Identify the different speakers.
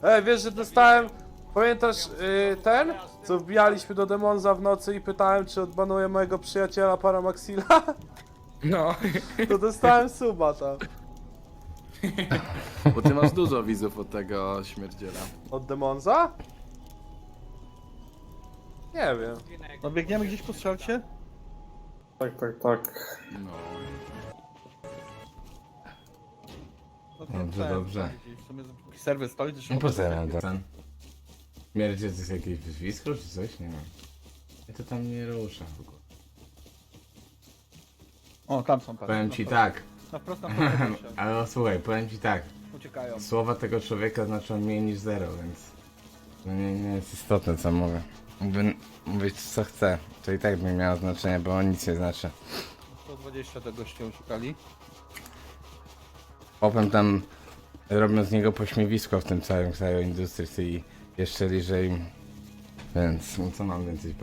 Speaker 1: Wiesz, że dostałem... Pamiętasz ten? Co wbijaliśmy do Demonza w nocy i pytałem, czy odbanuje mojego przyjaciela Paramaxila?
Speaker 2: No,
Speaker 1: To dostałem suba tam.
Speaker 2: bo ty masz dużo widzów od tego śmierdziela.
Speaker 1: Od Demonza? Nie wiem.
Speaker 3: No biegniemy gdzieś po strzelcie?
Speaker 4: Tak.
Speaker 2: No.
Speaker 3: No
Speaker 5: Dobrze, dobrze.
Speaker 3: W sumie serwer stoi, też
Speaker 5: No po co ja miałem ten? Śmierdzie to jest jakieś wyzwisko czy coś? Nie wiem. Ja to tam nie ruszę w ogóle.
Speaker 3: O, tam są, patrz.
Speaker 5: Powiem ci tak,
Speaker 3: Na wprost, na wprost.
Speaker 5: ale słuchaj, powiem ci tak.
Speaker 3: Uciekają.
Speaker 5: Słowa tego człowieka znaczą mniej niż zero, więc... No nie jest istotne co mówię. Mógłbym mówić co chcę, to i tak by miało znaczenie, bo on nic nie znaczy.
Speaker 3: 120 do gościa uciekali.
Speaker 5: Potem tam robią z niego pośmiewisko w tym całym kraju industrii i jeszcze liżej. Więc co mam więcej